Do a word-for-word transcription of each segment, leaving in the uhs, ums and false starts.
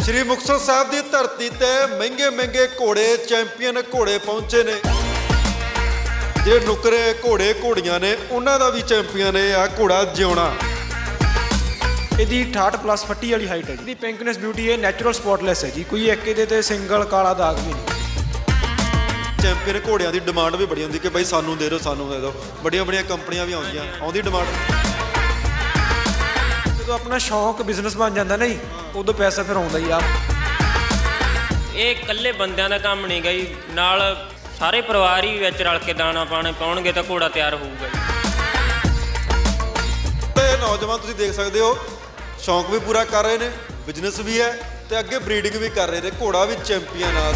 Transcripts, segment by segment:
श्री मुक्तसर साहब की धरती ते महंगे महंगे घोड़े चैंपीयन घोड़े पहुंचे ने जे नुकरे घोड़े घोड़ियां ने उन्हां दा भी चैंपीयन है आ घोड़ा जिउणा। ਇਹਦੀ अठाहठ प्लस फट्टी वाली हाइट है जी। पिंकनेस ब्यूटी है, नैचुरल स्पॉटलैस है जी, कोई एक ਇਹਦੇ ਤੇ ਸਿੰਗਲ ਕਾਲਾ ਦਾਗ ਵੀ ਨਹੀਂ। ਚੈਂਪੀਅਨ ਘੋੜਿਆਂ ਦੀ ਡਿਮਾਂਡ ਵੀ ਬੜੀ ਹੁੰਦੀ ਕਿ ਬਈ ਸਾਨੂੰ ਦੇ ਦਿਓ ਸਾਨੂੰ ਦੇ ਦਿਓ, ਬੜੀਆਂ ਬੜੀਆਂ ਕੰਪਨੀਆਂ ਵੀ ਆਉਂਦੀਆਂ ਆਉਂਦੀ ਡਿਮਾਂਡ। ਜਦੋਂ ਆਪਣਾ ਸ਼ੌਂਕ ਬਿਜ਼ਨਸ ਬਣ ਜਾਂਦਾ ਨਾ ਜੀ ਉਦੋਂ ਪੈਸਾ ਫਿਰ ਆਉਂਦਾ ਹੀ ਆ। ਇਹ ਇਕੱਲੇ ਬੰਦਿਆਂ ਦਾ ਕੰਮ ਨਹੀਂ ਗਾ ਜੀ, ਨਾਲ ਸਾਰੇ ਪਰਿਵਾਰ ਹੀ ਵਿੱਚ ਰਲ ਕੇ ਦਾਣਾ ਪਾਣੇ ਪਾਉਣਗੇ ਤਾਂ ਘੋੜਾ ਤਿਆਰ ਹੋਊਗਾ ਜੀ। ਤੇ ਨੌਜਵਾਨ ਤੁਸੀਂ ਦੇਖ ਸਕਦੇ ਹੋ ਸ਼ੌਂਕ ਵੀ ਪੂਰਾ ਕਰ ਰਹੇ ਨੇ, ਬਿਜ਼ਨਸ ਵੀ ਹੈ ਤੇ ਅੱਗੇ ਬਰੀਡਿੰਗ ਵੀ ਕਰ ਰਹੇ ਨੇ, ਘੋੜਾ ਵੀ ਚੈਂਪੀਅਨ ਆ।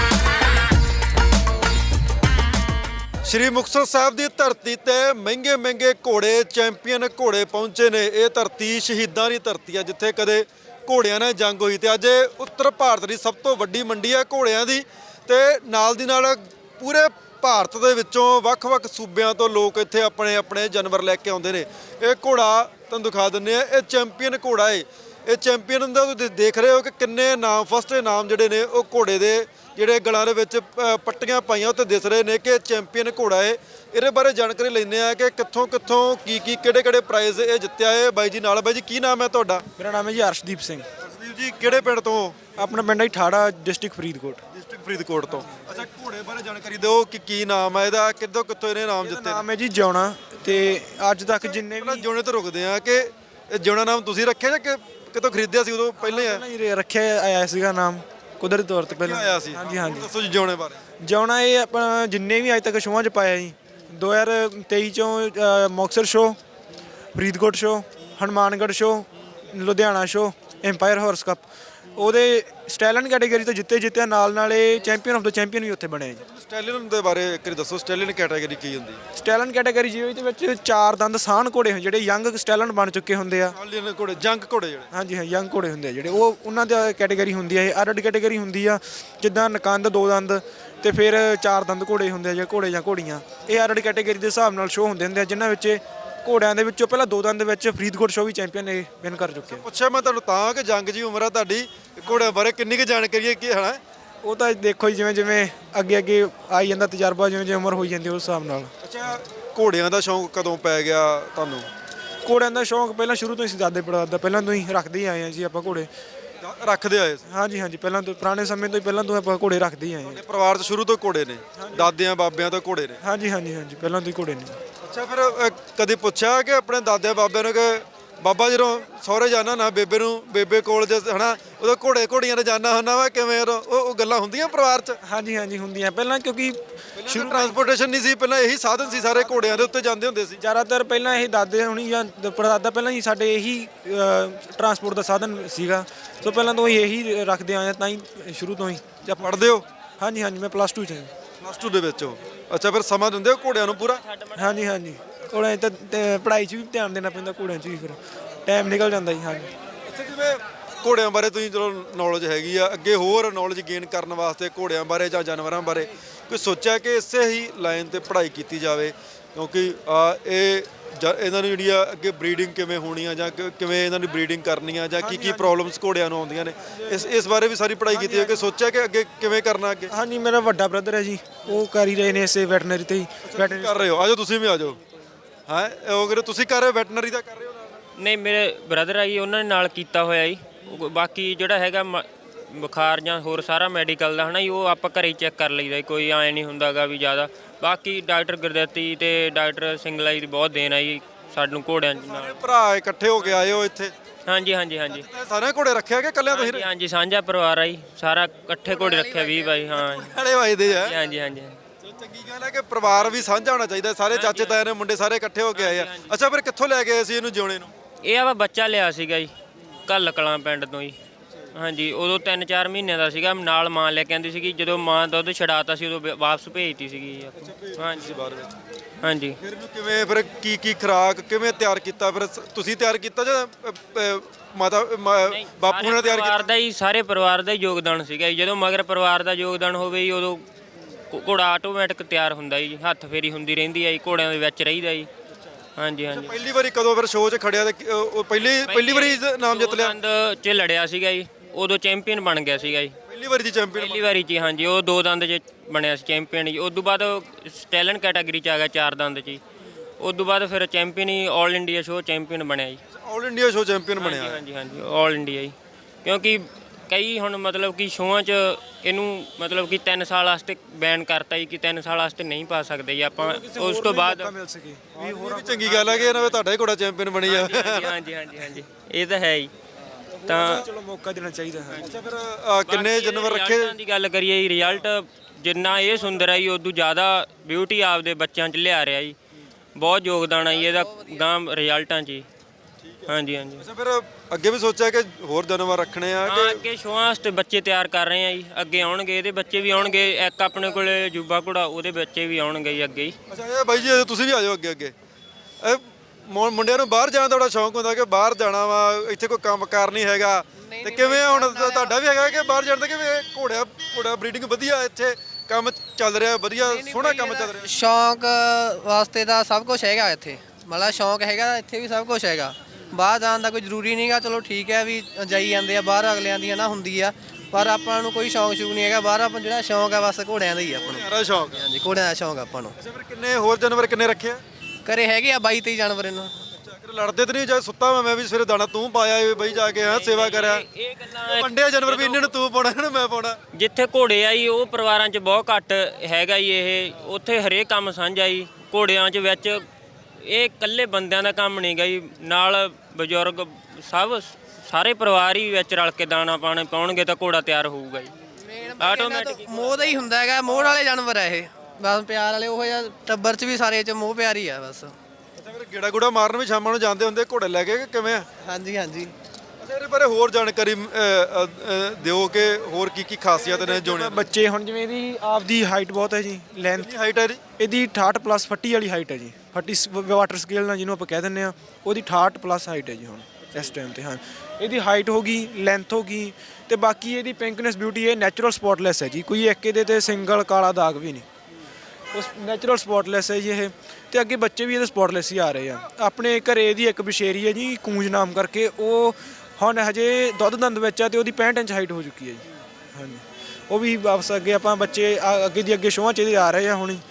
श्री मुक्तसर साहब की धरती ते महंगे महंगे घोड़े चैंपीयन घोड़े पहुंचे ने। यह धरती शहीदों की धरती है जिथे कदे घोड़ियां ने जंग हुई। तो अज उत्तर भारत की सब तो वड्डी मंडी है घोड़ियां की, ते नाल दी नाल पूरे भारत दे विचों वख-वख सूबियां तो लोग इत्थे अपने अपने जानवर लैके आउंदे ने। ये घोड़ा तुहानूं दिखा दिंदे आ, ये चैंपीयन घोड़ा है। ये चैंपीयन दा तुसीं देख रहे हो कि किन्ने नाम फस्ट नाम जिहड़े ने वो घोड़े दे ਜਿਹੜੇ ਗਲਾਂ ਦੇ ਵਿੱਚ ਪੱਟੀਆਂ ਪਾਈਆਂ ਉੱਤੇ ਦਿਸ ਰਹੇ ਨੇ ਕਿ ਚੈਂਪੀਅਨ ਘੋੜਾ ਹੈ। ਇਹਦੇ ਬਾਰੇ ਜਾਣਕਾਰੀ ਲੈਂਦੇ ਆ ਕਿ ਕਿੱਥੋਂ ਕਿੱਥੋਂ ਕੀ ਕੀ ਕਿਹੜੇ ਕਿਹੜੇ ਪ੍ਰਾਈਜ਼ ਇਹ ਜਿੱਤਿਆ ਹੈ। ਬਾਈ ਜੀ ਨਾਲ, ਬਾਈ ਜੀ ਕੀ ਨਾਮ ਹੈ ਤੁਹਾਡਾ? ਮੇਰਾ ਨਾਮ ਹੈ ਜੀ ਅਰਸ਼ਦੀਪ ਸਿੰਘ। ਅਰਸ਼ਦੀਪ ਜੀ ਕਿਹੜੇ ਪਿੰਡ ਤੋਂ? ਆਪਣਾ ਪਿੰਡ ਹੈ ਠਾੜਾ, ਡਿਸਟ੍ਰਿਕਟ ਫਰੀਦਕੋਟ। ਡਿਸਟ੍ਰਿਕਟ ਫਰੀਦਕੋਟ ਤੋਂ। ਅੱਛਾ, ਘੋੜੇ ਬਾਰੇ ਜਾਣਕਾਰੀ ਦਿਓ ਕਿ ਕੀ ਨਾਮ ਹੈ ਇਹਦਾ, ਕਿੱਥੋਂ ਕਿੱਥੋਂ ਇਹਨੇ ਨਾਮ ਜਿੱਤੇ? ਨਾਮ ਹੈ ਜੀ ਜਿਉਣਾ, ਤੇ ਅੱਜ ਤੱਕ ਜਿੰਨੇ ਵੀ ਜਿਉਣੇ ਤੋਂ ਰੁਕਦੇ ਆ ਕਿ ਇਹ ਜਿਉਣਾ ਨਾਮ ਤੁਸੀਂ ਰੱਖਿਆ ਜਾਂ ਕਿ ਕਿਤੋਂ ਖਰੀਦਿਆ ਸੀ ਉਦੋਂ ਪਹਿਲਾਂ ਹੀ ਆਇਆ? ਪਹਿਲਾਂ ਹੀ ਰੱਖਿਆ ਆਇਆ ਸੀਗਾ ਨਾਮ, ਕੁਦਰਤੀ ਤੌਰ ਤੇ ਪਹਿਲਾਂ ਆਇਆ ਸੀ। ਹਾਂਜੀ ਹਾਂਜੀ। ਦੱਸੋ ਜੀ ਜਿਉਣੇ ਬਾਰੇ। ਜਿਉਣਾ ਇਹ ਆਪਣਾ ਜਿੰਨੇ ਵੀ ਅੱਜ ਤੱਕ ਸ਼ੋਆਂ 'ਚ ਪਾਇਆ ਜੀ, ਦੋ ਹਜ਼ਾਰ ਤੇਈ ਚੋਂ Muktsar show, Faridkot show, Hanumangarh show, Ludhiana show, empire horse cup, ਉਹਦੇ ਸਟੈਲਨ ਕੈਟਾਗਰੀ ਤੋਂ ਜਿੱਤੇ ਜਿੱਤਿਆ ਨਾਲ ਨਾਲ ਇਹ ਚੈਂਪੀਅਨ ਆਫ ਦਾ ਚੈਂਪੀਅਨ ਵੀ ਉੱਥੇ ਬਣੇ ਜੀ। ਸਟੈਲੀਅਨ ਦੇ ਬਾਰੇ ਇੱਕ ਵਾਰੀ ਦੱਸੋ, ਸਟੈਲੀਅਨ ਕੈਟਾਗਰੀ ਕੀ ਹੁੰਦੀ? ਸਟੈਲਨ ਕੈਟਾਗਰੀ ਜਿਹਦੇ ਵਿੱਚ ਚਾਰ ਦੰਦ ਸਾਹਣ ਘੋੜੇ ਜਿਹੜੇ ਯੰਗ ਸਟੈਲਨ ਬਣ ਚੁੱਕੇ ਹੁੰਦੇ ਆ। ਸਟੈਲੀਅਨ ਘੋੜੇ, ਜੰਗ ਘੋੜੇ ਜਿਹੜੇ। ਹਾਂਜੀ ਹਾਂ, ਯੰਗ ਘੋੜੇ ਹੁੰਦੇ ਆ ਜਿਹੜੇ, ਉਹ ਉਹਨਾਂ ਦਾ ਕੈਟਾਗਰੀ ਹੁੰਦੀ ਆ। ਇਹ ਅਰਡ ਕੈਟਾਗਰੀ ਹੁੰਦੀ ਆ, ਜਿੱਦਾਂ ਨਕੰਦ ਦੋ ਦੰਦ ਤੇ ਫਿਰ ਚਾਰ ਦੰਦ ਘੋੜੇ ਹੁੰਦੇ ਆ ਜਾਂ ਘੋੜੇ ਜਾਂ ਘੋੜੀਆਂ। ਇਹ ਅਰਡ ਕੈਟਾਗਰੀ ਦੇ ਹਿਸਾਬ ਨਾਲ ਸ਼ੋਅ ਹੁੰਦੇ ਹੁੰਦੇ ਆ, ਜਿਨ੍ਹਾਂ ਵਿੱਚ ਘੋੜਿਆਂ ਦੇ ਵਿੱਚੋਂ ਪਹਿਲਾਂ ਦੋ ਦੰਦ ਵਿੱਚ ਫਰੀਦਕੋਟ ਸ਼ੋਅ ਵੀ ਚੈਂਪੀਅਨ ਇਹ ਵਿਨ ਕਰ ਚੁੱਕੇ ਆ। ਪੁੱਛਿਆ ਮੈਂ ਤੁਹਾਨੂੰ ਤਾਂ ਕਿ ਜੰਗ ਜੀ ਉਮਰ ਆ ਤੁਹਾਡੀ, ਘੋੜਿਆਂ ਬਾਰੇ ਕਿੰਨੀ ਕੁ ਜਾਣਕਾਰੀ ਹੈ ਕੀ ਹੈ? ਉਹ ਤਾਂ ਦੇਖੋ ਜੀ, ਜਿਵੇਂ ਜਿਵੇਂ ਅੱਗੇ ਅੱਗੇ ਆਈ ਜਾਂਦਾ ਤਜਰਬਾ, ਜਿਵੇਂ ਜਿਵੇਂ ਉਮਰ ਹੋਈ ਜਾਂਦੀ ਉਸ ਹਿਸਾਬ ਨਾਲ। ਅੱਛਾ, ਘੋੜਿਆਂ ਦਾ ਸ਼ੌਂਕ ਕਦੋਂ ਪੈ ਗਿਆ ਤੁਹਾਨੂੰ? ਘੋੜਿਆਂ ਦਾ ਸ਼ੌਂਕ ਪਹਿਲਾਂ ਸ਼ੁਰੂ ਤੋਂ ਹੀ ਸੀ, ਦਾਦੇ ਪੜਦਾਦਾ ਪਹਿਲਾਂ ਤੋਂ ਹੀ ਰੱਖਦੇ ਹੀ ਆਏ ਆ ਜੀ ਆਪਾਂ ਘੋੜੇ। ਰੱਖਦੇ ਆਏ ਸੀ? ਹਾਂਜੀ ਹਾਂਜੀ, ਪਹਿਲਾਂ ਤੋਂ ਪੁਰਾਣੇ ਸਮੇਂ ਤੋਂ ਹੀ ਪਹਿਲਾਂ ਤੋਂ ਆਪਾਂ ਘੋੜੇ ਰੱਖਦੇ ਹੀ ਆਏ ਆ। ਪਰਿਵਾਰ 'ਚ ਸ਼ੁਰੂ ਤੋਂ ਘੋੜੇ ਨੇ, ਦਾਦਿਆਂ ਬਾਬਿਆਂ ਤੋਂ ਘੋੜੇ ਨੇ? ਹਾਂਜੀ ਹਾਂਜੀ ਹਾਂਜੀ, ਪਹਿਲਾਂ ਤੋਂ ਹੀ ਘੋੜੇ ਨੇ। ਅੱਛਾ, ਫਿਰ ਅ, ਕਦੇ ਪੁੱਛਿਆ ਕਿ ਆਪਣੇ ਦਾਦਿਆਂ ਬਾਬਿਆਂ ਨੂੰ ਕਿ ਬਾਬਾ ਜਦੋਂ ਸਹੁਰੇ ਜਾਣਾ ਨਾ ਬੇਬੇ ਨੂੰ, ਬੇਬੇ ਕੋਲ ਜੇ ਹਨਾ ਉਦੋਂ ਘੋੜੇ ਘੋੜੀਆਂ ਤੇ ਜਾਣਾ ਹੁੰਦਾ ਵਾ, ਕਿਵੇਂ ਉਦੋਂ ਉਹ ਉਹ ਗੱਲਾਂ ਹੁੰਦੀਆਂ ਪਰਿਵਾਰ 'ਚ? ਹਾਂਜੀ ਹਾਂਜੀ ਹੁੰਦੀਆਂ। ਪਹਿਲਾਂ ਕਿਉਂਕਿ ਸ਼ੁਰੂ ਟਰਾਂਸਪੋਰਟੇਸ਼ਨ ਨਹੀਂ ਸੀ, ਪਹਿਲਾਂ ਇਹੀ ਸਾਧਨ ਸੀ, ਸਾਰੇ ਘੋੜਿਆਂ ਦੇ ਉੱਤੇ ਜਾਂਦੇ ਹੁੰਦੇ ਸੀ ਜ਼ਿਆਦਾਤਰ। ਪਹਿਲਾਂ ਇਹ ਦਾਦੇ ਹੁਣੀ ਜਾਂ ਪੜਦਾਦਾ ਪਹਿਲਾਂ ਹੀ ਸਾਡੇ ਇਹੀ ਟਰਾਂਸਪੋਰਟ ਦਾ ਸਾਧਨ ਸੀਗਾ, ਸੋ ਪਹਿਲਾਂ ਤੋਂ ਹੀ ਇਹੀ ਰੱਖਦੇ ਆਏ ਤਾਂ ਹੀ ਸ਼ੁਰੂ ਤੋਂ ਹੀ। ਜਾਂ ਪੜ੍ਹਦੇ ਹੋ? ਹਾਂਜੀ ਹਾਂਜੀ, ਮੈਂ ਪਲੱਸ ਟੂ 'ਚ। ਪਲੱਸ ਟੂ ਦੇ ਵਿੱਚ ਹੋ? ਅੱਛਾ, ਫਿਰ ਸਮਾਂ ਦਿੰਦੇ ਹੋ ਘੋੜਿਆਂ ਨੂੰ ਪੂਰਾ? ਹਾਂਜੀ ਹਾਂਜੀ, ਘੋੜਿਆਂ 'ਚ ਤਾਂ ਪੜ੍ਹਾਈ 'ਚ ਵੀ ਧਿਆਨ ਦੇਣਾ ਪੈਂਦਾ, ਘੋੜਿਆਂ 'ਚ ਵੀ ਫਿਰ ਟਾਈਮ ਨਿਕਲ ਜਾਂਦਾ ਜੀ। ਹਾਂਜੀ। ਅੱਛਾ, ਜਿਵੇਂ ਘੋੜਿਆਂ ਬਾਰੇ ਤੁਸੀਂ ਚਲੋ ਨੌਲੇਜ ਹੈਗੀ ਆ, ਅੱਗੇ ਹੋਰ ਨੌਲੇਜ ਗੇਨ ਕਰਨ ਵਾਸਤੇ ਘੋੜਿਆਂ ਬਾਰੇ ਜਾਂ ਜਾਨਵਰਾਂ ਬਾਰੇ ਕੋਈ ਸੋਚਿਆ ਕਿ ਇਸੇ ਹੀ ਲਾਈਨ ਤੇ ਪੜ੍ਹਾਈ ਕੀਤੀ ਜਾਵੇ? ਕਿਉਂਕਿ ਆ ਇਹ ਜਾਂ ਇਹਨਾਂ ਨੂੰ ਜਿਹੜੀ ਆ ਅੱਗੇ ਬਰੀਡਿੰਗ ਕਿਵੇਂ ਹੋਣੀ ਆ, ਜਾਂ ਕਿ- ਕਿਵੇਂ ਇਹਨਾਂ ਦੀ ਬਰੀਡਿੰਗ ਕਰਨੀ ਆ, ਜਾਂ ਕੀ ਕੀ ਪ੍ਰੋਬਲਮਸ ਘੋੜਿਆਂ ਨੂੰ ਆਉਂਦੀਆਂ ਨੇ, ਇਸ ਇਸ ਬਾਰੇ ਵੀ ਸਾਰੀ ਪੜ੍ਹਾਈ ਕੀਤੀ ਹੈ ਕਿ ਸੋਚਿਆ ਕਿ ਅੱਗੇ ਕਿਵੇਂ ਕਰਨਾ ਅੱਗੇ? ਹਾਂਜੀ, ਮੇਰਾ ਵੱਡਾ ਬ੍ਰਦਰ ਹੈ ਜੀ, ਉਹ ਕਰ ਹੀ ਰਹੇ ਨੇ ਇਸੇ ਵੈਟਰਨਰੀ ਤੇ ਹੀ। ਵੈਟਰਨਰੀ ਕਰ ਰਹੇ ਹੋ? ਆਜੋ ਤੁਸੀਂ ਵੀ ਆਜੋ। ਹਾਂ, ਉਹ ਕਿਹੜੇ ਤੁਸੀਂ ਕਰ ਰਹੇ ਹੋ, ਵੈਟਰਨਰੀ ਦਾ ਕਰ ਰਹੇ ਹੋ? ਨਹੀਂ, ਮੇਰੇ ਬ੍ਰਦਰ ਆ ਜੀ, ਉਹਨਾਂ ਨੇ ਨਾਲ ਕੀਤਾ ਹੋਇਆ ਜੀ। ਉਹ ਬਾਕੀ ਜਿਹੜਾ ਹੈਗਾ ਮ- ਬੁਖਾਰ ਜਾਂ ਹੋਰ ਸਾਰਾ ਮੈਡੀਕਲ ਦਾ ਹੈ ਨਾ ਜੀ, ਉਹ ਆਪਾਂ ਘਰੇ ਚੈੱਕ ਕਰ ਲਈਦਾ ਜੀ, ਕੋਈ ਐਂ ਨਹੀਂ ਹੁੰਦਾ ਗਾ ਵੀ ਜ਼ਿਆਦਾ। ਬਾਕੀ ਡਾਕਟਰ ਗੁਰਦੱਤੀ ਤੇ ਡਾਕਟਰ ਸਿੰਗਲਾ ਜੀ ਦੀ ਬਹੁਤ ਦੇਣ ਆ ਜੀ ਸਾਨੂੰ ਘੋੜਿਆਂ ਨਾਲ। ਸਾਰੇ ਭਰਾ ਇਕੱਠੇ ਹੋ ਕੇ ਆਏ ਹੋ ਇੱਥੇ? ਹਾਂਜੀ ਹਾਂਜੀ ਹਾਂਜੀ ਸਾਰੇ ਘੋੜੇ ਰੱਖਿਆ ਕਿ ਇਕੱਲਿਆਂ ਤੁਸੀਂ? ਹਾਂਜੀ ਹਾਂਜੀ, ਸਾਂਝਾ ਪਰਿਵਾਰ ਆ ਜੀ ਸਾਰਾ, ਇਕੱਠੇ ਘੋੜੇ ਰੱਖਿਆ ਵੀਹ ਬਾਈ। ਹਾਂ ਵਾਲੇ ਵਜਦੇ ਆ? ਹਾਂਜੀ ਹਾਂਜੀ। ਚੰਗੀ ਗੱਲ ਹੈ ਕਿ ਪਰਿਵਾਰ ਵੀ ਸਾਂਝਾ ਹੋਣਾ ਚਾਹੀਦਾ, ਸਾਰੇ ਚਾਚੇ ਤਾਏ ਨੇ ਮੁੰਡੇ ਸਾਰੇ ਇਕੱਠੇ ਹੋ ਕੇ ਆਏ ਆ। ਅੱਛਾ, ਫਿਰ ਕਿੱਥੋਂ ਲੈ ਕੇ ਆਏ ਸੀ ਇਹਨੂੰ ਜਿਉਣੇ ਨੂੰ? ਇਹ ਆ ਵਾ ਬੱਚਾ ਲਿਆ ਸੀਗਾ ਜੀ ਘੱਲ ਕਲਾਂ ਪਿੰਡ ਤੋਂ ਜੀ। ਹਾਂਜੀ, ਉਦੋਂ ਤਿੰਨ ਚਾਰ ਮਹੀਨਿਆਂ ਦਾ ਸੀਗਾ, ਨਾਲ ਮਾਂ ਲੈ ਕੇ ਆਂਦੀ ਸੀਗੀ। ਜਦੋਂ ਮਾਂ ਦੁੱਧ ਛਡਾਤਾ ਸੀ ਉਦੋਂ ਵਾਪਸ ਭੇਜਤੀ ਸੀਗੀ ਜੀ ਆਪਾਂ। ਹਾਂਜੀ ਬਾਹਰ ਵਿੱਚ। ਹਾਂਜੀ। ਫਿਰ ਇਹਨੂੰ ਕਿਵੇਂ, ਫਿਰ ਕੀ ਕੀ ਖੁਰਾਕ ਕਿਵੇਂ ਤਿਆਰ ਕੀਤਾ? ਫਿਰ ਤੁਸੀਂ ਤਿਆਰ ਕੀਤਾ ਜਾਂ ਅ, ਅ, ਮਾਤਾ ਮ- ਬਾਪੂ ਨੇ ਤਿਆਰ ਕੀਤਾ? ਪਰਿਵਾਰ ਦਾ ਹੀ, ਸਾਰੇ ਪਰਿਵਾਰ ਦਾ ਹੀ ਯੋਗਦਾਨ ਸੀਗਾ ਜੀ। ਜਦੋਂ ਮਗਰ ਪਰਿਵਾਰ ਦਾ ਯੋਗਦਾਨ ਹੋਵੇ ਜੀ ਉਦੋਂ ਘੋ- ਘੋੜਾ ਆਟੋਮੈਟਿਕ ਤਿਆਰ ਹੁੰਦਾ ਜੀ, ਹੱਥ ਫੇਰੀ ਹੁੰਦੀ ਰਹਿੰਦੀ ਹੈ ਜੀ, ਘੋੜਿਆਂ ਦੇ ਵਿੱਚ ਰਹੀਦਾ ਜੀ। ਹਾਂਜੀ ਹਾਂਜੀ। ਪਹਿਲੀ ਵਾਰੀ ਕਦੋਂ ਫਿਰ ਸ਼ੋਅ 'ਚ ਖੜਿਆ ਤੇ ਉਹ ਪਹਿਲੀ ਪਹਿਲੀ ਵਾਰੀ ਨਾਮ ਜਿੱਤ ਲਿਆ? ਦੋ ਦੰਦ 'ਚ ਲੜਿਆ ਸੀਗਾ ਜੀ, ਉਦੋਂ ਚੈਂਪੀਅਨ ਬਣ ਗਿਆ ਸੀਗਾ ਜੀ ਪਹਿਲੀ ਵਾਰੀ ਦੀ ਚੈਂਪੀਅਨ ਪਹਿਲੀ ਵਾਰੀ 'ਚ ਹੀ, ਹਾਂਜੀ ਉਹ ਦੋ ਦੰਦ 'ਚ ਬਣਿਆ ਸੀ ਚੈਂਪੀਅਨ ਜੀ। ਉਸ ਤੋਂ ਬਾਅਦ ਸਟੈਲਨ ਕੈਟਾਗਰੀ 'ਚ ਆ ਗਿਆ ਚਾਰ ਦੰਦ 'ਚ ਜੀ। ਉਸ ਤੋਂ ਬਾਅਦ ਫਿਰ ਚੈਂਪੀਅਨ ਹੀ ਆਲ ਇੰਡੀਆ ਸ਼ੋਅ ਚੈਂਪੀਅਨ ਬਣਿਆ ਜੀ। ਆਲ ਇੰਡੀਆ ਸ਼ੋਅ ਚੈਂਪੀਅਨ ਬਣਿਆ। ਹਾਂਜੀ ਹਾਂਜੀ ਆਲ ਇੰਡੀਆ ਜੀ। ਕਿਉਂਕਿ ਕਈ ਹੁਣ ਮਤਲਬ ਕਿ ਸ਼ੋਆਂ 'ਚ ਇਹਨੂੰ ਮਤਲਬ ਕਿ ਤਿੰਨ ਸਾਲ ਵਾਸਤੇ ਬੈਨ ਕਰਤਾ ਜੀ ਕਿ ਤਿੰਨ ਸਾਲ ਵਾਸਤੇ ਨਹੀਂ ਪਾ ਸਕਦੇ ਜੀ ਆਪਾਂ। ਉਸ ਤੋਂ ਬਾਅਦ ਮਿਲ ਸਕੇ ਵੀ ਹੋਰ ਵੀ ਚੰਗੀ ਗੱਲ ਹੈ ਕਿ ਇਹਨਾਂ ਵਿੱਚ ਤੁਹਾਡਾ ਹੀ ਘੋੜਾ ਚੈਂਪੀਅਨ ਬਣੀ ਆ। ਹਾਂਜੀ ਹਾਂਜੀ ਹਾਂਜੀ ਹਾਂਜੀ ਇਹ ਤਾਂ ਹੈ ਜੀ। ਤਾਂ ਚਲੋ ਮੌਕਾ ਦੇਣਾ ਚਾਹੀਦਾ ਹੈ। ਅੱਛਾ ਫਿਰ ਅ, ਕਿੰਨੇ ਜਾਨਵਰ ਰੱਖੇ? ਰਿਜ਼ਲਟਾਂ ਦੀ ਗੱਲ ਕਰੀਏ ਜੀ, ਰਿਜ਼ਲਟ ਜਿੰਨਾ ਇਹ ਸੁੰਦਰ ਆ ਜੀ ਉਦੋਂ ਜ਼ਿਆਦਾ ਬਿਊਟੀ ਆਪਦੇ ਬੱਚਿਆਂ 'ਚ ਲਿਆ ਰਿਹਾ ਜੀ। ਬਹੁਤ ਯੋਗਦਾਨ ਆ ਜੀ ਇਹਦਾ ਗਾਂ ਰਿਜ਼ਲਟਾਂ 'ਚ ਜੀ। ਹਾਂਜੀ ਹਾਂਜੀ ਅੱਛਾ ਫਿਰ ਅੱਗੇ ਵੀ ਸੋਚਿਆ ਕਿ ਹੋਰ ਜਾਨਵਰ ਰੱਖਣੇ ਆ ਕਿ ਹਾਂ, ਅੱਗੇ ਸ਼ੋਆਂ ਵਾਸਤੇ ਬੱਚੇ ਤਿਆਰ ਕਰ ਰਹੇ ਆ ਜੀ। ਅੱਗੇ ਆਉਣਗੇ ਇਹਦੇ ਬੱਚੇ ਵੀ ਆਉਣਗੇ। ਇੱਕ ਆਪਣੇ ਕੋਲੇ ਜੂਬਾ ਘੋੜਾ ਉਹਦੇ ਬੱਚੇ ਵੀ ਆਉਣਗੇ ਜੀ ਅੱਗੇ ਹੀ। ਅੱਛਾ ਇਹ ਬਾਈ ਜੀ ਤੁਸੀਂ ਵੀ ਆ ਜਾਓ ਅੱਗੇ ਅੱਗੇ। ਇਹ ਮੁ- ਮੁੰਡਿਆਂ ਨੂੰ ਬਾਹਰ ਜਾਣ ਦਾ ਬੜਾ ਸ਼ੌਂਕ ਹੁੰਦਾ ਕਿ ਬਾਹਰ ਜਾਣਾ ਵਾ, ਇੱਥੇ ਕੋਈ ਕੰਮ ਕਾਰ ਨਹੀਂ ਹੈਗਾ ਤੇ ਕਿਵੇਂ ਆ ਹੁਣ ਤੁਹਾਡਾ ਵੀ ਹੈਗਾ ਕਿ ਬਾਹਰ ਜਾਣ ਦਾ? ਕਿਵੇਂ ਘੋੜਾ ਘੋੜਾ ਬਰੀਡਿੰਗ ਵਧੀਆ ਇੱਥੇ ਕੰਮ ਚੱਲ ਰਿਹਾ, ਵਧੀਆ ਸੋਹਣਾ ਕੰਮ ਚੱਲ ਰਿਹਾ? ਸ਼ੌਂਕ ਵਾਸਤੇ ਤਾਂ ਸਭ ਕੁਝ ਹੈਗਾ ਇੱਥੇ, ਮਤਲਬ ਸ਼ੌਂਕ ਹੈਗਾ ਇੱਥੇ ਵੀ ਸਭ ਕੁਝ ਹੈਗਾ। ਬਾਹਰ ਜਾਣ ਦਾ ਕੋਈ ਜ਼ਰੂਰੀ ਨਹੀਂਗਾ। ਚਲੋ ਠੀਕ ਹੈ ਵੀ ਜਾਈ ਜਾਂਦੇ ਆ ਬਾਹਰ, ਅਗਲਿਆਂ ਦੀ ਨਾ ਹੁੰਦੀ ਆ, ਪਰ ਆਪਾਂ ਨੂੰ ਕੋਈ ਸ਼ੌਂਕ ਸ਼ੂਕ ਨਹੀਂ ਹੈਗਾ ਬਾਹਰ। ਆਪਾਂ ਜਿਹੜਾ ਸ਼ੌਂਕ ਆ ਬਸ ਘੋੜਿਆਂ ਦਾ ਹੀ ਆ ਆਪਾਂ ਨੂੰ। ਸਾਰਾ ਸ਼ੌਂਕ ਹੈ। ਹਾਂਜੀ ਘੋੜਿਆਂ ਦਾ ਸ਼ੌਂਕ ਆ ਆਪਾਂ ਨੂੰ। ਅੱਛਾ ਫਿਰ ਕਿੰਨੇ ਹੋਰ ਜਾਨਵਰ ਕਿੰਨੇ ਰੱਖੇ ਆ? ਘਰੇ ਹੈਗੇ ਆ ਬਾਈ ਤੇਈ ਜਾਨਵਰ ਇਹਨਾਂ। ਅੱਛਾ ਕਿ ਲੜਦੇ ਤੇ ਨਹੀਂ? ਜਾ ਸੁੱਤਾ ਵਾ ਮੈਂ ਵੀ ਸਵੇਰੇ ਦਾਣਾ ਤੂੰ ਪਾਇਆ ਏ ਬਈ ਜਾ ਕੇ ਹਾਂ ਸੇਵਾ ਕਰਿਆ। ਇਹ ਗੱਲਾਂ ਵੰਡਿਆ ਜਾਨਵਰ ਵੀ ਇਹਨਾਂ ਨੂੰ ਤੂੰ ਪਾਉਣਾ ਇਹਨਾਂ ਨੂੰ ਮੈਂ ਪਾਉਣਾ। ਜਿੱਥੇ ਘੋੜੇ ਆ ਜੀ ਉਹ ਪਰਿਵਾਰਾਂ 'ਚ ਬਹੁਤ ਘੱਟ ਹੈਗਾ ਜੀ। ਇਹ ਉੱਥੇ ਹਰੇਕ ਕੰਮ ਸਾਂਝਾ ਜੀ। ਘੋੜਿਆਂ 'ਚ ਵਿੱਚ ਇਹ ਇਕੱਲੇ ਬੰਦਿਆਂ ਦਾ ਕੰਮ ਨਹੀਂ ਗਾ ਜੀ, ਨਾਲ ਬਜ਼ੁਰਗ ਸਭ ਸਾਰੇ ਪਰਿਵਾਰ ਹੀ ਵਿੱਚ ਰਲ ਕੇ ਦਾਣਾ ਪਾਣੇ ਪਾਉਣਗੇ ਤਾਂ ਘੋੜਾ ਤਿਆਰ ਹੋਊਗਾ ਜੀ ਆਟੋਮੈਟਿਕ। ਮੋਹ ਦਾ ਹੀ ਹੁੰਦਾ ਹੈਗਾ, ਮੋਹ ਵਾਲੇ ਜਾਨਵਰ ਆ ਇਹ, ਬਸ ਪਿਆਰ ਵਾਲੇ। ਉਹ ਜਿਹਾ ਟੱਬਰ 'ਚ ਵੀ ਸਾਰੇ 'ਚ ਮੋਹ ਪਿਆਰ ਹੀ ਆ ਬਸ। ਅੱਛਾ ਫਿਰ ਗੇੜਾ ਗੂੜਾ ਮਾਰਨ ਵੀ ਸ਼ਾਮਾਂ ਨੂੰ ਜਾਂਦੇ ਹੁੰਦੇ ਘੋੜੇ ਲੈ ਕੇ ਕਿ ਕਿਵੇਂ ਆ? ਹਾਂਜੀ ਹਾਂਜੀ ਅੱਛਾ ਇਹਦੇ ਬਾਰੇ ਹੋਰ ਜਾਣਕਾਰੀ ਅ, ਅ, ਅ, ਦਿਓ ਕਿ ਹੋਰ ਕੀ ਕੀ ਖਾਸੀਅਤ ਨੇ ਜੋਣੇ ਦੀ? ਬੱਚੇ ਹੁਣ ਜਿਵੇਂ ਇਹਦੀ ਆਪਦੀ ਹਾਈਟ ਬਹੁਤ ਹੈ ਜੀ, ਲੈਂਥ ਕਿੰਨੀ ਹਾਈਟ ਹੈ ਇਹਦੀ? ਇਹਦੀ ਅਠਾਹਠ ਪਲੱਸ ਫੱਟੀ ਵਾਲੀ ਹਾਈਟ ਹੈ ਜੀ। ਫੱਟੀ ਵਾਟਰ ਸਕੇਲ ਨਾਲ ਜਿਹਨੂੰ ਆਪਾਂ ਕਹਿ ਦਿੰਦੇ ਆ, ਉਹਦੀ ਅਠਾਹਠ ਪਲੱਸ ਹਾਈਟ ਹੈ ਜੀ ਹੁਣ ਇਸ ਟਾਈਮ ਤੇ। ਹਾਂ ਇਹਦੀ ਹਾਈਟ ਹੋ ਗਈ, ਲੈਂਥ ਹੋ ਗਈ ਤੇ ਬਾਕੀ ਇਹਦੀ ਪਿੰਕਨੈਸ ਬਿਊਟੀ ਇਹ ਨੈਚੁਰਲ ਸਪੌਟਲੈਸ ਹੈ ਜੀ। ਕੋਈ ਇੱਕ ਇਹਦੇ ਤੇ ਸਿੰਗਲ ਕਾਲਾ ਦਾਗ ਵੀ ਨਹੀਂ, ਉਸ ਨੈਚੁਰਲ ਸਪੌਟਲੈਸ ਹੈ ਜੀ ਇਹ। ਤੇ ਅੱਗੇ ਬੱਚੇ ਵੀ ਇਹਦੇ ਸਪੌਟਲੈਸ ਹੀ ਆ ਰਹੇ ਆ। ਆਪਣੇ ਘਰੇ ਇਹਦੀ ਇੱਕ ਬਸ਼ੇਰੀ ਹੈ ਜੀ ਕੂੰਜ ਨਾਮ ਕਰਕੇ, ਉਹ ਹੁਣ ਹਜੇ ਦੁੱਧ ਦੰਦ ਵਿੱਚ ਆ ਤੇ ਉਹਦੀ ਪੈਂਹਠ ਇੰਚ ਹਾਈਟ ਹੋ ਚੁੱਕੀ ਹੈ ਜੀ। ਹਾਂਜੀ ਉਹ ਵੀ ਵਾਪਸ ਅੱਗੇ ਆਪਾਂ ਬੱਚੇ ਆ- ਅੱਗੇ ਦੀ ਅੱਗੇ ਸ਼ੋਆਂ 'ਚ ਇਹਦੇ ਆ ਰਹੇ ਆ ਹੁਣੀ,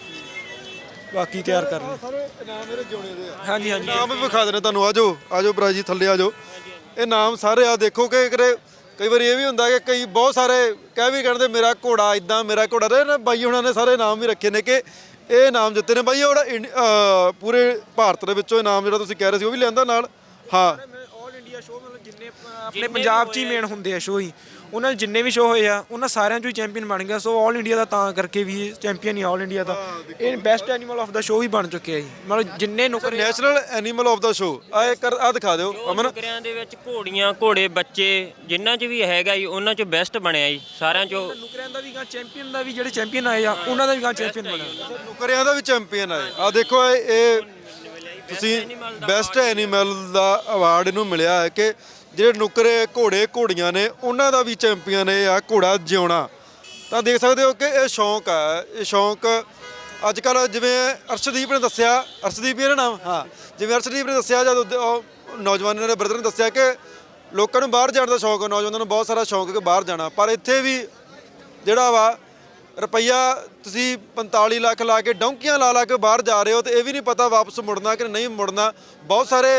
ਬਾਕੀ ਤਿਆਰ ਕਰ ਰਹੇ। ਸਾਰੇ ਨਾਮ ਮੇਰੇ ਜੋਣੇ ਦੇ ਆ। ਹਾਂਜੀ ਹਾਂਜੀ ਨਾਮ ਵੀ ਵਿਖਾ ਦੇਣੇ ਤੁਹਾਨੂੰ। ਆਜੋ ਆਜੋ ਭਰਾ ਜੀ ਥੱਲੇ ਆਜੋ। ਇਹ ਨਾਮ ਸਾਰੇ ਆ ਦੇਖੋ ਕਿ ਕਿਤੇ ਕਈ ਵਾਰੀ ਇਹ ਵੀ ਹੁੰਦਾ ਕਿ ਕਈ ਬਹੁਤ ਸਾਰੇ ਕਹਿ ਵੀ ਕਹਿੰਦੇ ਮੇਰਾ ਘੋੜਾ ਇਦਾਂ ਮੇਰਾ ਘੋੜਾ ਤੇ ਨਾ ਬਾਈ ਹੁਣਾਂ ਨੇ ਸਾਰੇ ਨਾਮ ਵੀ ਰੱਖੇ ਨੇ ਕਿ ਇਹ ਨਾਮ ਜਿੱਤੇ ਨੇ ਬਾਈ। ਉਹ ਜਿਹੜਾ ਪੂਰੇ ਭਾਰਤ ਦੇ ਵਿੱਚੋਂ ਇਹ ਨਾਮ ਜਿਹੜਾ ਤੁਸੀਂ ਕਹਿ ਰਹੇ ਸੀ ਉਹ ਵੀ ਲਿਆਂਦਾ ਨਾਲ? ਹਾਂ ਆਲ ਇੰਡੀਆ ਸ਼ੋਅ ਮਤਲਬ ਜਿੰਨੇ ਆਪਣੇ ਪੰਜਾਬ 'ਚ ਹੀ ਮੇਨ ਹੁੰਦੇ ਆ ਸ਼ੋਅ ਹੀ, ਉਹਨਾਂ ਦੇ ਜਿੰਨੇ ਵੀ ਸ਼ੋਅ ਹੋਏ ਆ ਉਹਨਾਂ ਸਾਰਿਆਂ 'ਚੋਂ ਹੀ ਚੈਂਪੀਅਨ ਬਣ ਗਿਆ। ਸੋ ਆਲ ਇੰਡੀਆ ਦਾ ਤਾਂ ਕਰਕੇ ਵੀ ਚੈਂਪੀਅਨ ਹੀ ਆਲ ਇੰਡੀਆ ਦਾ। ਇਹ ਬੈਸਟ ਐਨੀਮਲ ਆਫ ਦਾ ਸ਼ੋਅ ਵੀ ਬਣ ਚੁੱਕਿਆ ਜੀ। ਮਤਲਬ ਜਿੰਨੇ ਨੁਕਰੇ ਨੈਸ਼ਨਲ ਐਨੀਮਲ ਆਫ ਦਾ ਸ਼ੋਅ ਆ ਕਰ ਆ ਦਿਖਾ ਦਿਓ ਅਮਨ। ਨੁਕਰਿਆਂ ਦੇ ਵਿੱਚ ਘੋੜੀਆਂ ਘੋੜੇ ਬੱਚੇ ਜਿਨ੍ਹਾਂ 'ਚ ਵੀ ਹੈਗਾ ਜੀ ਉਹਨਾਂ 'ਚੋਂ ਬੈਸਟ ਬਣਿਆ ਜੀ ਸਾਰਿਆਂ 'ਚੋਂ। ਨੁਕਰਿਆਂ ਦਾ ਵੀ ਗਾ ਚੈਂਪੀਅਨ ਦਾ ਵੀ, ਜਿਹੜੇ ਚੈਂਪੀਅਨ ਆਏ ਆ ਉਹਨਾਂ ਦਾ ਵੀ ਗਾ ਚੈਂਪੀਅਨ ਬਣਿਆ। ਨੁਕਰਿਆਂ ਦਾ ਵੀ ਚੈਂਪੀਅਨ ਆਏ ਆ। ਦੇਖੋ ਇਹ ਇਹ ਤੁਸੀਂ ਬੈਸਟ ਐਨੀਮਲ ਦਾ ਅਵਾਰਡ ਇਹਨੂੰ ਮਿਲਿਆ ਹੈ ਕਿ ਜਿਹੜੇ ਨੁਕਰੇ ਘੋੜੇ ਘੋੜੀਆਂ ਨੇ ਉਹਨਾਂ ਦਾ ਵੀ ਚੈਂਪੀਅਨ ਇਹ ਆ ਘੋੜਾ ਜਿਉਣਾ। ਤਾਂ ਦੇਖ ਸਕਦੇ ਹੋ ਕਿ ਇਹ ਸ਼ੌਂਕ ਆ। ਇਹ ਸ਼ੌਂਕ ਅੱਜ ਕੱਲ੍ਹ ਜਿਵੇਂ ਅਰਸ਼ਦੀਪ ਨੇ ਦੱਸਿਆ, ਅਰਸ਼ਦੀਪ ਇਹਦਾ ਨਾਮ, ਹਾਂ ਜਿਵੇਂ ਅਰਸ਼ਦੀਪ ਨੇ ਦੱਸਿਆ ਜਦ ਉਹਦੇ- ਉਹ ਨੌਜਵਾਨਾਂ ਨੇ ਬ੍ਰਦਰ ਨੇ ਦੱਸਿਆ ਕਿ ਲੋਕਾਂ ਨੂੰ ਬਾਹਰ ਜਾਣ ਦਾ ਸ਼ੌਂਕ ਹੈ, ਨੌਜਵਾਨਾਂ ਨੂੰ ਬਹੁਤ ਸਾਰਾ ਸ਼ੌਂਕ ਹੈ ਕਿ ਬਾਹਰ ਜਾਣਾ, ਪਰ ਇੱਥੇ ਵੀ ਜਿਹੜਾ ਵਾ ਰੁਪਈਆ ਤੁਸੀਂ ਪੰਤਾਲੀ ਲੱਖ ਲਾ ਕੇ ਡੌਂਕੀਆਂ ਲਾ ਲਾ ਕੇ ਬਾਹਰ ਜਾ ਰਹੇ ਹੋ ਤੇ ਇਹ ਵੀ ਨਹੀਂ ਪਤਾ ਵਾਪਸ ਮੁੜਨਾ ਕਿ ਨਹੀਂ ਮੁੜਨਾ। ਬਹੁਤ ਸਾਰੇ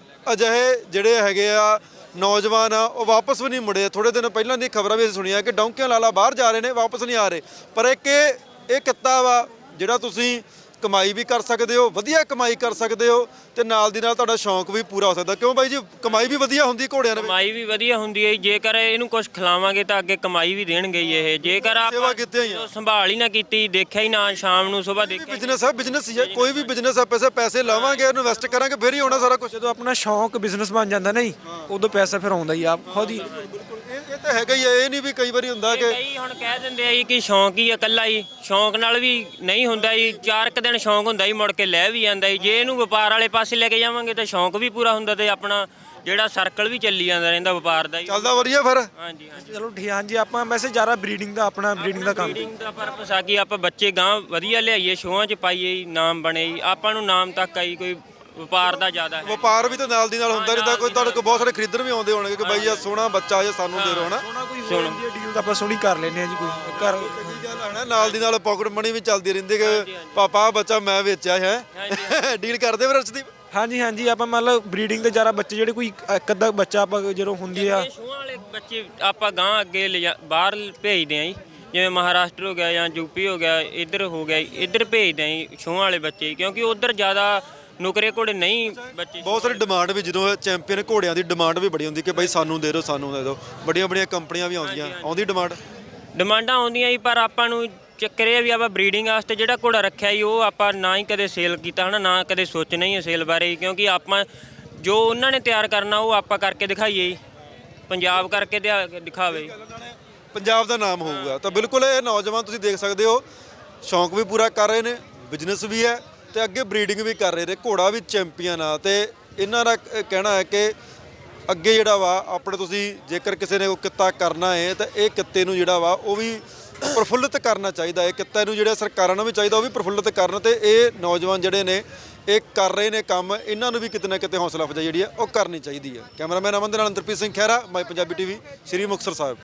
ਅਜਿਹੇ ਜਿਹੜੇ ਹੈਗੇ ਆ ਨੌਜਵਾਨ ਆ ਉਹ ਵਾਪਸ ਵੀ ਨਹੀਂ ਮੁੜੇ। ਥੋੜੇ ਦਿਨ ਪਹਿਲਾਂ ਦੀ ਖਬਰਾਂ ਵੀ ਅਸੀਂ ਸੁਣੀਆਂ ਕਿ ਡੌਂਕੀਆਂ ਲਾ ਲਾ ਬਾਹਰ ਜਾ ਰਹੇ ਨੇ, ਵਾਪਸ ਨਹੀਂ ਆ ਰਹੇ। ਪਰ ਇੱਕ ਇਹ ਇਹ ਕਿੱਤਾ ਵਾ ਜਿਹੜਾ ਤੁਸੀਂ ਕਮਾਈ ਵੀ ਕਰ ਸਕਦੇ ਹੋ, ਵਧੀਆ ਕਮਾਈ ਕਰ ਸਕਦੇ ਹੋ ਤੇ ਨਾਲ ਦੀ ਨਾਲ ਤੁਹਾਡਾ ਸ਼ੌਂਕ ਵੀ ਪੂਰਾ ਹੋ ਸਕਦਾ। ਕਿਉਂ ਬਾਈ ਜੀ? ਕਮਾਈ ਵੀ ਵਧੀਆ ਹੁੰਦੀ ਘੋੜਿਆਂ ਦੇ ਵਿੱਚ। ਕਮਾਈ ਵੀ ਵਧੀਆ ਹੁੰਦੀ ਹੈ ਜੀ। ਜੇਕਰ ਇਹਨੂੰ ਕੁਝ ਖਿਲਾਵਾਂਗੇ ਤਾਂ ਅੱਗੇ ਕਮਾਈ ਵੀ ਦੇਣਗੇ ਹੀ ਇਹ। ਜੇਕਰ ਸੇਵਾ ਆਪਾਂ ਕੀਤੀਆਂ ਹੀ ਆ। ਸੰਭਾਲ ਹੀ ਨਾ ਕੀਤੀ, ਦੇਖਿਆ ਹੀ ਨਾ, ਸ਼ਾਮ ਨੂੰ ਸਵੇਰ ਦੇਖਿਆ ਬਿਜ਼ਨਸ ਹੈ, ਬਿਜ਼ਨਸ ਹੀ ਹੈ, ਕੋਈ ਵੀ ਬਿਜ਼ਨਸ ਹੈ। ਪੈਸੇ ਪੈਸੇ ਲਾਵਾਂਗੇ, ਇਨਵੈਸਟ ਕਰਾਂਗੇ ਫਿਰ ਹੀ ਹੋਣਾ ਸਾਰਾ ਕੁਝ। ਜਦੋਂ ਆਪਣਾ ਸ਼ੌਂਕ ਬਿਜ਼ਨਸ ਬਣ ਜਾਂਦਾ ਨਹੀਂ, ਉਦੋਂ ਪੈਸਾ ਫਿਰ ਆਉਂਦਾ ਹੀ ਆ ਖੁਦ ਹੀ। ਇਹ ਇਹ ਤਾਂ ਹੈਗਾ ਹੀ ਹੈ। ਇਹ ਨਹੀਂ ਵੀ ਕਈ ਵਾਰੀ ਹੁੰਦਾ ਕਿ ਕਈ ਹੁਣ ਕਹਿ ਦਿੰਦੇ ਆ ਜੀ ਕਿ ਸ਼ੌਂਕ ਹੀ ਆ ਇਕੱਲਾ ਹੀ। ਸ਼ੌਂਕ ਨਾਲ ਵੀ ਨਹੀਂ ਹੁੰਦਾ ਜੀ। ਚਾਰ ਕੁ ਦਿਨ ਸ਼ੌਂਕ ਹੁੰਦਾ ਜੀ, ਮੁੜ ਕੇ ਲੈ ਵੀ ਜਾਂਦਾ ਜੀ। ਜੇ ਇਹਨੂੰ ਵਪਾਰ ਵਾਲੇ ਪਾਸੇ ਲੈ ਕੇ ਜਾਵਾਂਗੇ ਤਾਂ ਸ਼ੌਂਕ ਵੀ ਪੂਰਾ ਹੁੰਦਾ ਤੇ ਆਪਣਾ ਜਿਹੜਾ ਸਰਕਲ ਵੀ ਚੱਲੀ ਜਾਂਦਾ ਰਹਿੰਦਾ ਵਪਾਰ ਦਾ ਜੀ। ਚੱਲਦਾ ਵਧੀਆ ਫਿਰ। ਹਾਂਜੀ ਹਾਂਜੀ ਚਲੋ ਠੀਕ, ਹਾਂਜੀ ਆਪਾਂ ਵੈਸੇ ਜ਼ਿਆਦਾ ਬਰੀਡਿੰਗ ਦਾ ਆਪਣਾ ਬਰੀਡਿੰਗ ਦਾ ਕੰਮ। ਬਰੀਡਿੰਗ ਦਾ ਪਰਪਸ ਆ ਕਿ ਆਪਾਂ ਬੱਚੇ ਗਾਂ ਵਧੀਆ ਲਿਆਈਏ, ਸ਼ੋਆਂ 'ਚ ਪਾਈਏ ਜੀ, ਨਾਮ ਬਣੇ ਜੀ। ਆਪਾਂ ਨੂੰ ਨਾਮ ਤੱਕ ਆਈ ਕੋਈ ਵਪਾਰ ਦਾ ਜ਼ਿਆਦਾ ਹੈ। ਵਪਾਰ ਵੀ ਤਾਂ ਨਾਲ ਦੀ ਨਾਲ ਹੁੰਦਾ ਰਹਿੰਦਾ, ਕੋਈ ਤੁਹਾਡੇ ਕੋਲ ਬਹੁਤ ਸਾਰੇ ਖਰੀਦਣ ਵੀ ਆਉਂਦੇ ਹੋਣਗੇ ਕਿ ਬਾਈ ਆ ਸੋਹਣਾ ਬੱਚਾ ਜਾਂ ਸਾਨੂੰ ਦੇ ਦਿਓ ਹਨਾ। ਸੋਨਾ ਕੋਈ ਹੋ ਜਾਂਦੀ ਹੈ ਡੀਲ ਤਾਂ ਆਪਾਂ ਸੋਹਣੀ ਕਰ ਲੈਨੇ ਆ ਜੀ, ਕੋਈ ਕਰ ਚੰਗੀ ਗੱਲ ਹੈ ਨਾ, ਨਾਲ ਦੀ ਨਾਲ ਪਾਕਟ ਮਨੀ ਵੀ ਚੱਲਦੀ ਰਹਿੰਦੀ ਕਿ ਪਾਪਾ ਆਹ ਬੱਚਾ ਮੈਂ ਵੇਚਿਆ ਹੈ ਡੀਲ ਕਰਦੇ ਫਿਰ ਅਰਸ਼ਦੀਪ। ਹਾਂਜੀ ਹਾਂਜੀ ਆਪਾਂ ਮਤਲਬ ਬਰੀਡਿੰਗ ਦੇ ਜ਼ਿਆਦਾ ਬੱਚੇ ਜਿਹੜੇ ਕੋਈ ਇੱਕ ਅੱਧਾ ਬੱਚਾ ਆਪਾਂ ਜਦੋਂ ਹੁੰਦੀ ਆ ਇਹ ਛੂਹਾਂ ਵਾਲੇ ਬੱਚੇ ਆਪਾਂ ਗਾਂ ਅੱਗੇ ਲਿਜਾ ਬਾਹਰ ਭੇਜਦੇ ਆ ਜੀ, ਜਿਵੇਂ ਮਹਾਰਾਸ਼ਟਰ ਹੋ ਗਿਆ ਜਾਂ ਯੂਪੀ ਹੋ ਗਿਆ, ਇੱਧਰ ਹੋ ਗਿਆ, ਇੱਧਰ ਭੇਜਦੇ ਆ ਜੀ ਛੂਹਾਂ ਵਾਲੇ ਬੱਚੇ, ਕਿਉਂਕਿ ਉੱਧਰ ਜ਼ਿਆਦਾ ਨੁਕਰੇ ਘੋੜੇ ਨਹੀਂ ਬੱਚੇ। ਬਹੁਤ ਸਾਰੀ ਡਿਮਾਂਡ ਵੀ ਜਦੋਂ ਚੈਂਪੀਅਨ ਘੋੜਿਆਂ ਦੀ ਡਿਮਾਂਡ ਵੀ ਬੜੀ ਹੁੰਦੀ ਕਿ ਬਾਈ ਸਾਨੂੰ ਦੇ ਦਿਓ ਸਾਨੂੰ ਦੇ ਦਿਓ, ਬੜੀਆਂ ਬੜੀਆਂ ਕੰਪਨੀਆਂ ਵੀ ਆਉਂਦੀਆਂ, ਆਉਂਦੀ ਡਿਮਾਂਡ। ਡਿਮਾਂਡਾਂ ਆਉਂਦੀਆਂ ਜੀ, ਪਰ ਆਪਾਂ ਨੂੰ ਚੱਕਰ ਇਹ ਆ ਵੀ ਆਪਾਂ ਬਰੀਡਿੰਗ ਵਾਸਤੇ ਜਿਹੜਾ ਘੋੜਾ ਰੱਖਿਆ ਜੀ ਉਹ ਆਪਾਂ ਨਾ ਹੀ ਕਦੇ ਸੇਲ ਕੀਤਾ ਹਨਾ, ਨਾ ਕਦੇ ਸੋਚਣਾ ਹੀ ਹੈ ਸੇਲ ਬਾਰੇ, ਕਿਉਂਕਿ ਆਪਾਂ ਜੋ ਉਹਨਾਂ ਨੇ ਤਿਆਰ ਕਰਨਾ ਉਹ ਆਪਾਂ ਕਰਕੇ ਦਿਖਾਈਏ ਜੀ, ਪੰਜਾਬ ਕਰਕੇ ਦਿਆ- ਦਿਖਾਵੇ। ਪੰਜਾਬ ਦਾ ਨਾਮ ਹੋਊਗਾ ਤਾਂ ਬਿਲਕੁਲ ਇਹ ਨੌਜਵਾਨ ਤੁਸੀਂ ਦੇਖ ਸਕਦੇ ਹੋ ਸ਼ੌਂਕ ਵੀ ਪੂਰਾ ਕਰ ਰਹੇ ਨੇ, ਬਿਜ਼ਨਸ ਵੀ ਹੈ ਤੇ ਅੱਗੇ ਬਰੀਡਿੰਗ ਵੀ ਕਰ ਰਹੇ ਨੇ, ਘੋੜਾ ਵੀ ਚੈਂਪੀਅਨ ਆ। ਤੇ ਇਹਨਾਂ ਦਾ ਕ- ਕਹਿਣਾ ਹੈ ਕਿ ਅੱਗੇ ਜਿਹੜਾ ਵਾ ਆਪਣੇ ਤੁਸੀਂ ਜੇਕਰ ਕਿਸੇ ਨੇ ਕੋਈ ਕਿੱਤਾ ਕਰਨਾ ਹੈ ਤਾਂ ਇਹ ਕਿੱਤੇ ਨੂੰ ਜਿਹੜਾ ਵਾ ਉਹ ਵੀ ਪ੍ਰਫੁੱਲਿਤ ਕਰਨਾ ਚਾਹੀਦਾ ਹੈ, ਕਿੱਤੇ ਨੂੰ ਜਿਹੜਾ ਸਰਕਾਰਾਂ ਨੂੰ ਵੀ ਚਾਹੀਦਾ ਉਹ ਵੀ ਪ੍ਰਫੁੱਲਿਤ ਕਰਨ, ਤੇ ਇਹ ਨੌਜਵਾਨ ਜਿਹੜੇ ਨੇ ਇਹ ਕਰ ਰਹੇ ਨੇ ਕੰਮ, ਇਹਨਾਂ ਨੂੰ ਵੀ ਕਿਤੇ ਨਾ ਕਿਤੇ ਹੌਸਲਾ ਅਫਜ਼ਾਈ ਜਿਹੜੀ ਹੈ ਉਹ ਕਰਨੀ ਚਾਹੀਦੀ ਹੈ। ਕੈਮਰਾਮੈਨ ਅਮਨ ਦੇ ਨਾਲ Antarpreet Singh Khaira, my Punjabi TV, Sri Muktsar Sahib.